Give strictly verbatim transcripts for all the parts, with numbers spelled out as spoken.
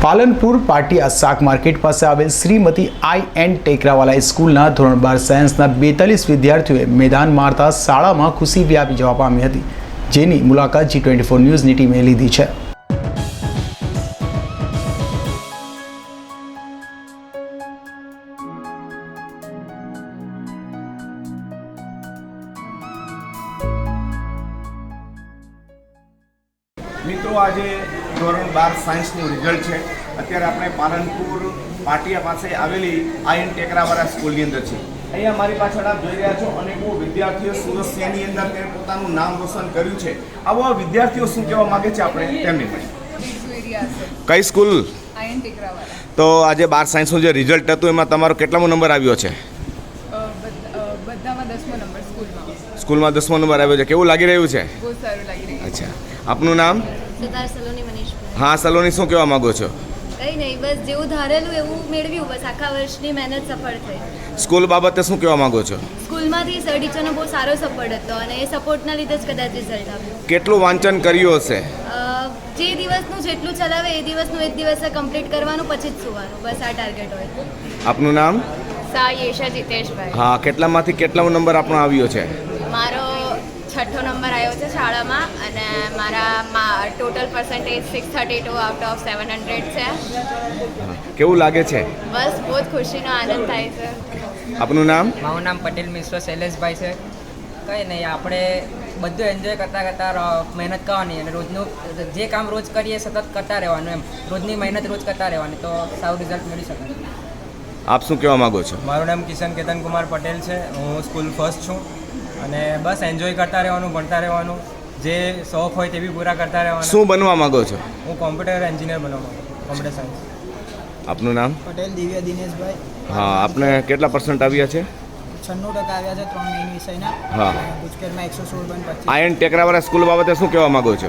પાલનપુર પાટિયા શાક માર્કેટ પાસે આવેલ શ્રીમતી આઈ એન્ડ ટેકરાવાલા સ્કૂલના ધોરણ બાર સાયન્સના બેતાલીસ વિદ્યાર્થીઓએ મેદાન મારતા શાળામાં ખુશી વ્યાપી જવા પામી હતી, જેની મુલાકાત જી ટ્વેન્ટી ફોર ન્યૂઝની ટીમે લીધી છે. મિત્રો, આજે ધોરણ બાર સાયન્સનું રિઝલ્ટ છે. અત્યારે આપણે પાલનપુર પાટિયા પાસે આવેલી આઈ એન્ડ ટેકરાવાળા સ્કૂલની અંદર છે. અહીંયા મારી પાછળ આપ જોઈ રહ્યા છો અનેકો વિદ્યાર્થીઓ સુરત શહેરની અંદર તેને પોતાનું નામ રોશન કર્યું છે. આવા વિદ્યાર્થીઓ શું કહેવા માગે છે આપણે તેમની પાસે. કઈ સ્કૂલ? I and ટેકરાવાળા. તો આજે બાર સાયન્સનું જે રિઝલ્ટ હતું એમાં તમારો કેટલામો નંબર આવ્યો છે? બધામાં દસમો નંબર સ્કૂલમાં. સ્કૂલમાં દસમો નંબર આવ્યો છે. કેવું લાગી રહ્યું છે? બહુ સારું લાગી રહ્યું. અચ્છા, આપનું નામ? સિતાર સલોની મનીષભાઈ. હા સલોની, શું કહેવા માંગો છો? કંઈ નહીં, બસ જેવું ધારેલું એવું મેળવ્યું. બસ આખા વર્ષની મહેનત સફળ થઈ. સ્કૂલ બાબતે શું કહેવા માંગો છો? સ્કૂલમાંથી સર ટીચરનો બહુ સારો સપોર્ટ હતો અને એ સપોર્ટના લીધે જ કદાચ રિઝલ્ટ આવ્યું. કેટલું વાંચન કર્યું હશે? અ, જે દિવસનું જેટલું ચલાવે એ દિવસનું એ જ દિવસે કમ્પ્લીટ કરવાનું, પછી જ સુવાનું. બસ આ ટાર્ગેટ હોય. આપનું નામ? સા યેશા જીતેશભાઈ. હા, કેટલામાંથી કેટલામો નંબર આપણો આવ્યો છે? મારો છઠ્ઠો નંબર આવ્યો છે શાળામાં અને મારા total percentage six thirty two out of seven hundred છે. કેવું લાગે છે? બસ બહુ જ ખુશીનો આનંદ થાય છે. આપનું નામ? મારું નામ પટેલ મિશ્ર શૈલેષભાઈ છે. કંઈ નહીં, આપણે બધું એન્જોય કરતાં કરતાં મહેનત કરવાની અને રોજનું જે કામ રોજ કરીએ સતત કરતા રહેવાનું. એમ રોજની મહેનત રોજ કરતા રહેવાની તો સારું રિઝલ્ટ મળી શકે. આપ શું કહેવા માંગો છો? મારું નામ કિશન કેતન કુમાર પટેલ છે. હું સ્કૂલ ફર્સ્ટ છું અને બસ એન્જોય કરતા રહેવાનું, ભણતા રહેવાનું, જે શોખ હોય તે બી પૂરા કરતા રહેવાના. શું બનવા માંગો છો? હું કોમ્પ્યુટર એન્જિનિયર બનવા માંગુ છું, કોમ્પ્યુટર સાયન્સ. આપનું નામ? પટેલ દિવ્ય દિનેશભાઈ. હા, આપને કેટલા પર્સન્ટ આવ્યા છે? છન્નું ટકા આવ્યા છે ત્રણ મેઇન વિષયના. હા. ગુજકેટમાં એકસો સોળ પોઈન્ટ પચીસ. આઈ એન્ડ ટેકરાવાળા સ્કૂલ બાબતે શું કહેવા માંગો છો?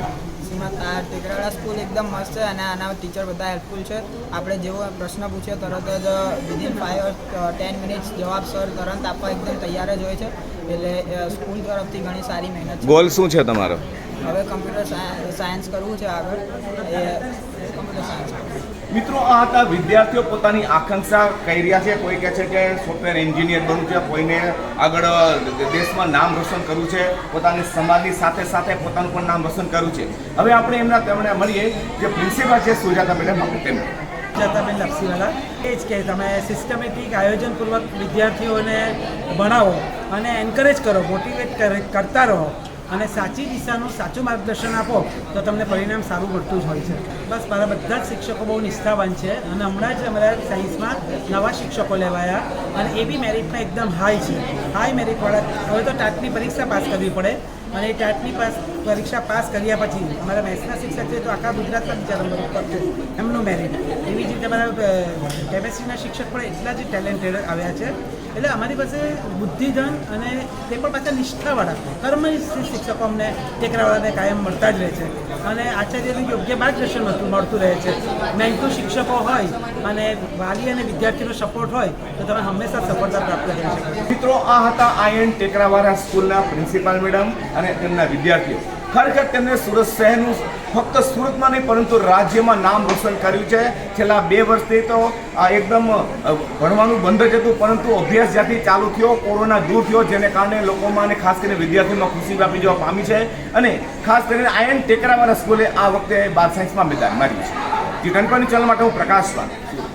આ ટેકરાવાળા સ્કૂલ એકદમ મસ્ત છે અને આના ટીચર બધા હેલ્પફુલ છે. આપણે જેવો પ્રશ્ન પૂછીએ તરત જ વિધિન ફાઈવ ટેન મિનિટ્સ જવાબ સર તરત આપવા એકદમ તૈયાર જ હોય છે. એટલે સ્કૂલ તરફથી ઘણી સારી મહેનત છે. ગોલ શું છે તમારો? હવે કમ્પ્યુટર સાયન્સ કરવું છે આગળ, એ કમ્પ્યુટર સાયન્સ. મિત્રો, આ હતા વિદ્યાર્થીઓ પોતાની આકાંક્ષા કહી રહ્યા છે. કોઈ કહે છે કે સોફ્ટવેર એન્જિનિયર બનવું છે, કોઈને આગળ દેશમાં નામ રોશન કરવું છે, પોતાની સમાજની સાથે સાથે પોતાનું પણ નામ રોશન કરવું છે. હવે આપણે એમના તેમણે મળીએ જે પ્રિન્સિપાલ છે સુજાતા મેડમ. આપણે તેમને સુજાતાબેન લપસીવાલા એ જ કે તમે સિસ્ટમેટિક આયોજનપૂર્વક વિદ્યાર્થીઓને ભણાવો અને એન્કરેજ કરો, મોટિવેટ કરતા રહો અને સાચી દિશાનું સાચું માર્ગદર્શન આપો તો તમને પરિણામ સારું મળતું જ હોય છે. બસ મારા બધા જ શિક્ષકો બહુ નિષ્ઠાવાન છે અને હમણાં જ અમારા સાયન્સમાં નવા શિક્ષકો લેવાયા અને એ બી મેરિટમાં એકદમ હાઈ છે. હાઈ મેરિટવાળા. હવે તો ટાટની પરીક્ષા પાસ કરવી પડે અને એ ટાટની પાસ પરીક્ષા પાસ કર્યા પછી અમારા મેથ્સના શિક્ષક છે તો આખા ગુજરાતમાં બીજા નંબર ઉપર છે એમનું મેરિટ. એવી જ રીતે અમારા કેમેસ્ટ્રીના શિક્ષક પણ એટલા જ ટેલેન્ટેડ આવ્યા છે. એટલે અમારી પાસે બુદ્ધિધન અને તે પણ પાછા નિષ્ઠાવાળા કર્મનિષ્ઠ શિક્ષકો અમને ટેકરાવાળાને કાયમ મળતા જ રહે છે અને આચાર્યનું યોગ્ય માર્ગદર્શન મળતું મળતું રહે છે. મહેનતુ શિક્ષકો હોય અને વાલી અને વિદ્યાર્થીનો સપોર્ટ હોય તો તમે હંમેશા સફળતા પ્રાપ્ત કરી શકો. મિત્રો, આ હતા આઈ એન્ડ ટેકરાવાળા સ્કૂલના પ્રિન્સિપાલ મેડમ અને તેમના વિદ્યાર્થીઓ. ખરેખર તેમને સુરત શહેરનું ફક્ત સુરતમાં નહીં પરંતુ રાજ્યમાં નામ રોશન કર્યું છે. છેલ્લા બે વર્ષથી તો આ એકદમ ભણવાનું બંધ જ હતું, પરંતુ અભ્યાસ જ્યાંથી ચાલુ થયો, કોરોના દૂર થયો, જેને કારણે લોકોમાં અને ખાસ કરીને વિદ્યાર્થીઓમાં ખુશી વ્યાપી જવા પામી છે અને ખાસ કરીને આઈ એન્ડ ટેકરાવાળા સ્કૂલે આ વખતે બાર સાયન્સમાં મેદાન માર્યું છે. જી ટ્વેન્ટી ચેનલ માટે હું પ્રકાશ.